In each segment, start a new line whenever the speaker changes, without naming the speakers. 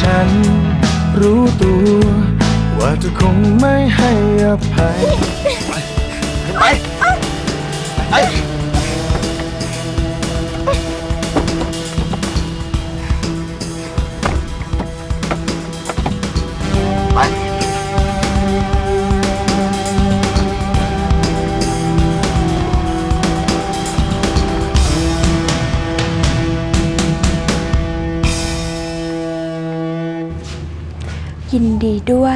ฉันรู้ตัวว่าเธอคงไม่ให้อภัยไปไป
ยินดีด้วย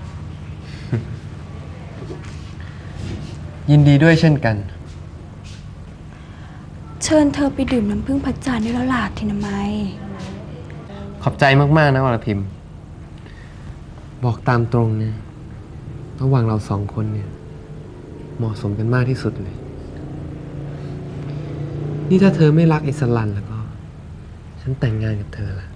ยินดีด้วยเช่นกัน
เชิญเธอไปดื่มน้ำผึ้งพระจันทร์ได้แล้วล่ะทินามัย
ขอบใจมากๆนะวรพิมพ์ บอกตามตรงเนี่ยระหว่างเราสองคนเนี่ยเหมาะสมกันมากที่สุดเลย นี่ถ้าเธอไม่รักไอ้สลันแล้วก็ ฉันแต่งงานกับเธอละ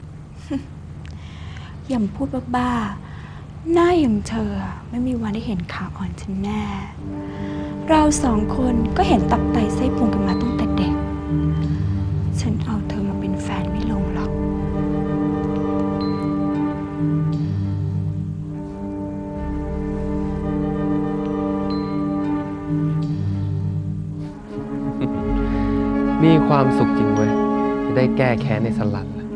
อย่าพูดบ้าๆหน้าอย่างเธอไม่มีวันได้เห็นขาอ่อนฉันแน่ เราสองคนก็เห็นตับไตไส้พุงกันมาตั้งแต่เด็ก ฉันเอาเธอมาเป็นแฟนไม่ลงหรอก
มีความสุขจริงเว้ย จะได้แก้แค้นในสลันละ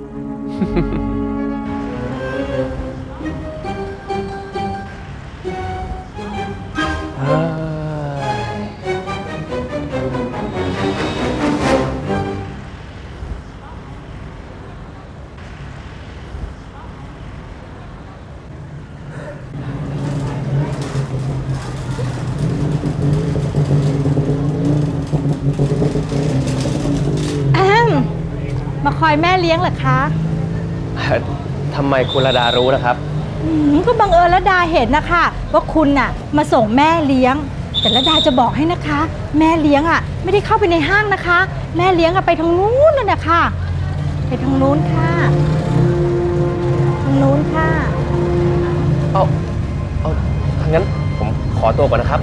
มาคอยแม่เลี้ยงเหรอคะ
ทำไมคุณระดารู้นะครับ
ก็บังเอิญระดาเห็นนะคะว่าคุณน่ะมาส่งแม่เลี้ยง แต่ระดาจะบอกให้นะคะ แม่เลี้ยงอ่ะไม่ได้เข้าไปในห้างนะคะ แม่เลี้ยงอ่ะไปทางนู้นน่ะนะคะไปทางนู้นค่ะทางนู้นค่ะ
เอางั้นผมขอตัวก่อนนะครับ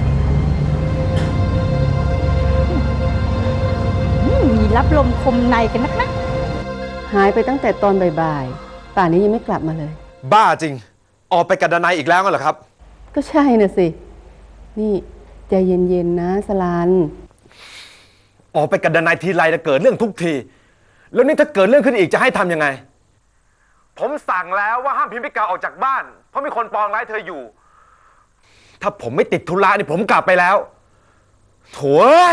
มีรับลมคมในกันนักนะ
หายไปตั้งแต่ตอนบ่ายๆ ป่านนี้ยังไม่กลับมาเลย
บ้าจริง ออกไปกับดนัยอีกแล้วงั้นเหรอครับ
ก็ใช่น่ะสิ นี่ใจเย็นๆนะสลัน
ออกไปกับดนัยทีไรจะเกิดเรื่องทุกที แล้วนี่ถ้าเกิดเรื่องขึ้นอีกจะให้ทำยังไง ผมสั่งแล้วว่าห้ามพิมพิกาออกจากบ้าน เพราะมีคนปองร้ายเธออยู่ ถ้าผมไม่ติดธุระนี่ผมกลับไปแล้วโถ่เอ้ย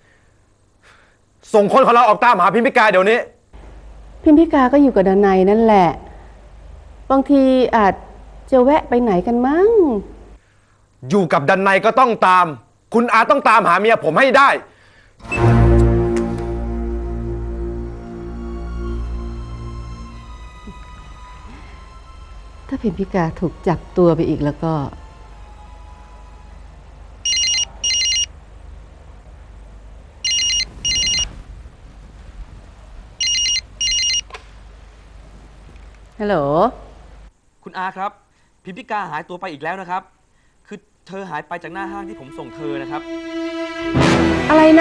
ส่งคนของเราออกตามหาพิมพิกาเดี๋ยวนี้
พิมพิกาก็อยู่กับดนัยนั่นแหละ บางทีอาจจะแวะไปไหนกันมั้ง
อยู่กับดันในก็ต้องตาม คุณอาต้องตามหาเมียผมให้ได้
ถ้าพิมพิกาถูกจับตัวไปอีกแล้วก็ ฮัลโหล
คุณอาครับ พิมพิกาหายตัวไปอีกแล้วนะครับ คือเธอหายไปจากหน้าห้างที่ผมส่งเธอนะครับ
อะไรนะ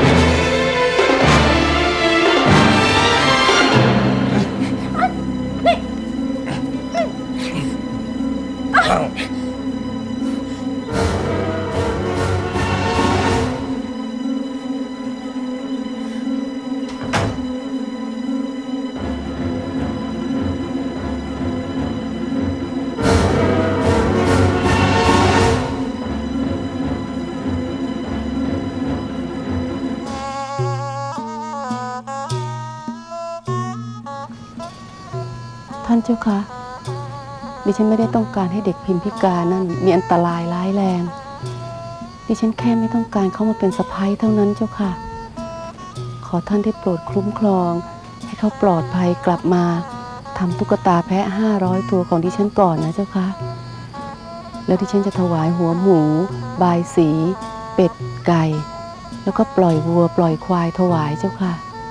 ท่านเจ้าคะ ดิฉันไม่ได้ต้องการให้เด็กพิมพิการนั่นมีอันตรายร้ายแรง ดิฉันแค่ไม่ต้องการเขามาเป็นสะใภ้เท่านั้นเจ้าค่ะ ขอท่านได้โปรดคุ้มครอง ให้เขาปลอดภัยกลับมาทำตุ๊กตาแพะ500 ตัวของดิฉันก่อนนะเจ้าค่ะ แล้วดิฉันจะถวายหัวหมู บายสี เป็ดไก่ แล้วก็ปล่อยวัวปล่อยควายถวายเจ้าค่ะ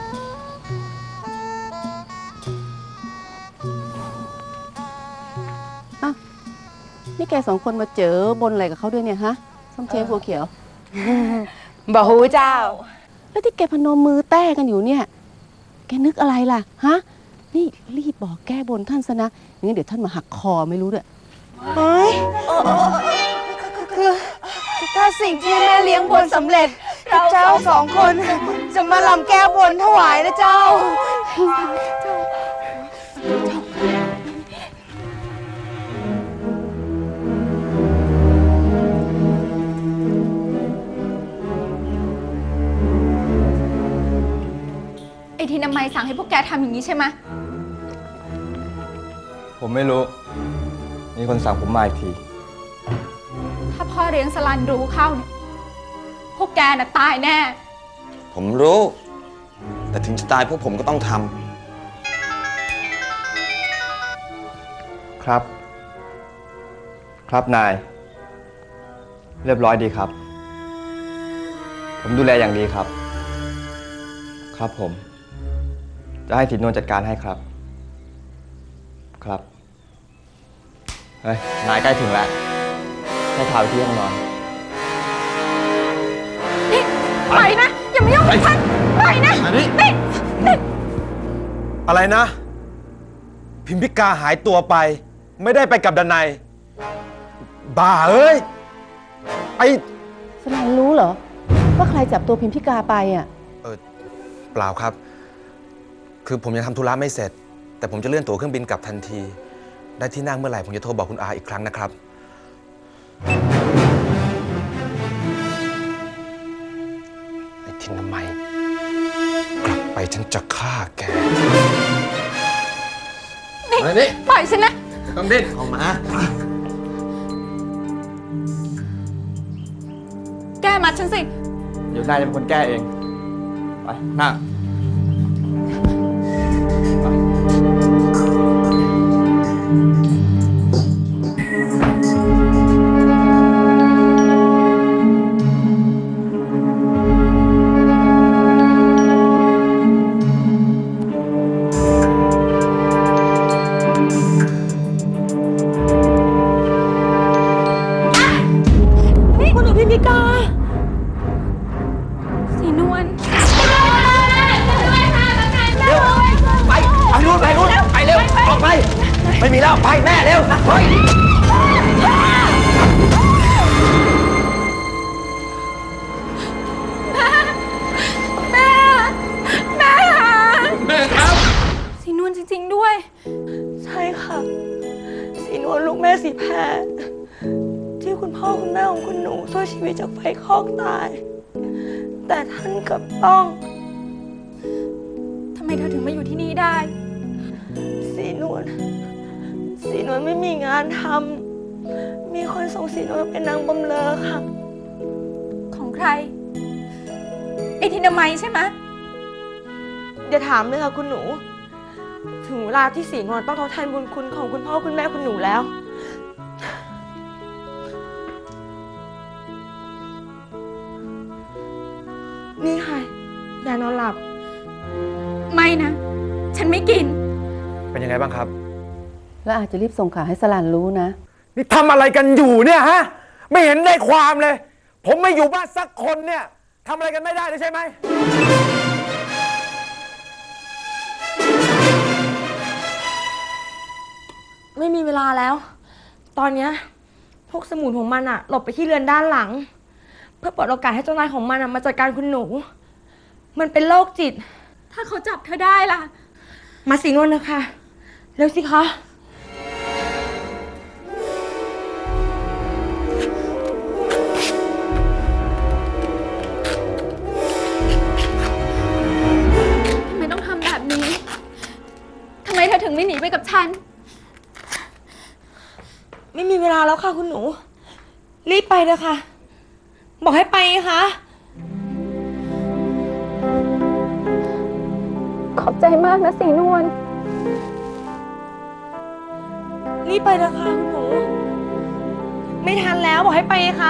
นี่แกสองคนมาเจอบนอะไรกับเขาด้วยเนี่ยฮะส้มเช้งบัวเขียว
บ่ฮู้เจ้า
แล้วที่แกพนมมือแต้กันอยู่เนี่ย แกนึกอะไรล่ะฮะนี่รีบบอกแก้บนท่านซะนะงั้นเดี๋ยวท่านมาหักคอไม่รู้ด้วย
เฮ้ยคือถ้าสิ่งที่แม่เลี้ยงบนสำเร็จเจ้าสองคนจะมาลำแก้บนถวายนะเจ้า
ไอ้ที่นามัยสั่งให้พวกแกทำอย่างนี้ใช่ไหม
ผมไม่รู้ มีคนสั่งผมมาอีกที
ถ้าพ่อเลี้ยงสลันรู้เข้าเนี่ย พวกแกน่ะตายแน่
ผมรู้ แต่ถึงจะตายพวกผมก็ต้องท
ำครับ ครับนาย เรียบร้อยดีครับ ผมดูแลอย่างดีครับ ครับผม จะให้สินนวลจัดการให้ครับ ครับ เฮ้ย นายใกล้ถึงแล้ว ให้พาไปที่ห้องนอน
นี่ไปนะ อย่ามายุ่งกับฉันไปนะนี่
อะไรนะ พิมพิกาหายตัวไป ไม่ได้ไปกับดนัยบ้าเอ้ยไอ
สลานรู้เหรอ ว่าใครจับตัวพิมพิกาไปอ่ะ
เปล่าครับ คือผมยังทำธุระไม่เสร็จ แต่ผมจะเลื่อนตั๋วเครื่องบินกลับทันที ได้ที่นั่งเมื่อไหร่ผมจะโทรบอกคุณอาอีกครั้งนะครับ ไอ้ทินทำไมกลับไปฉันจะฆ่าแก
นี่ปล่อยฉันนะ
ต้องดิ้นออกมา
แกมัดฉันสิ
เดี๋ยวนายจะเป็นคนแก้เอง ไปนั่ง
นี่คุณหนูพิมพิกา
สีนวล
ำไปนู่นไปนู่นไปเร็ว ออกไป ไม่มีแล้ว ไปแม่เร็วเฮ้ย
แม่ค่ะแม่ครับ สีนวลจริง ๆ ด้วย
ใช่ค่ะ สีนวลลูกแม่สีแพรที่คุณพ่อคุณแม่ของคุณหนูช่วยชีวิตจากไฟคลอกตาย แต่ท่านกลับต้อง
ทำไมเธอถึงมาอยู่ที่นี่ได้
สีนวลไม่มีงานทำมีคนส่งสีนวลเป็นนางบำเรอค่ะ
ของใคร ไอ้ทินามัยใช่ไหม
อย่าถามเลยค่ะคุณหนู ถึงเวลาที่สีนวลต้องทดแทนบุญคุณของคุณพ่อคุณแม่คุณหนูแล้ว นี่ค่ะยานอนหลับ
ไม่นะ ฉันไม่กิน
เป็นยังไงบ้างครับ
แล้วอาจจะรีบส่งข่าวให้สลานรู้นะ
นี่ทำอะไรกันอยู่เนี่ยฮะ ไม่เห็นได้ความเลย ผมไม่อยู่บ้านสักคนเนี่ยทำอะไรกันไม่ได้เลยใช่ไหม
ไม่มีเวลาแล้ว ตอนเนี้ยพวกสมุนของมันอะหลบไปที่เรือนด้านหลัง เพื่อเปิดโอกาสให้เจ้านายของมันอะมาจัดการคุณหนู มันเป็นโรคจิต
ถ้าเขาจับเธอได้ล่ะ
มาสีนวลนะคะเร็วสิคะ
ทำไมต้องทำแบบนี้ ทำไมเธอถึงไม่หนีไปกับฉัน
ไม่มีเวลาแล้วค่ะคุณหนู รีบไปเลยค่ะ บอกให้ไปไงคะ
ขอบใจมากนะสีนวล
รีบไปเลยค่ะคุณหนู ไม่ทันแล้วบอกให้ไปไงคะ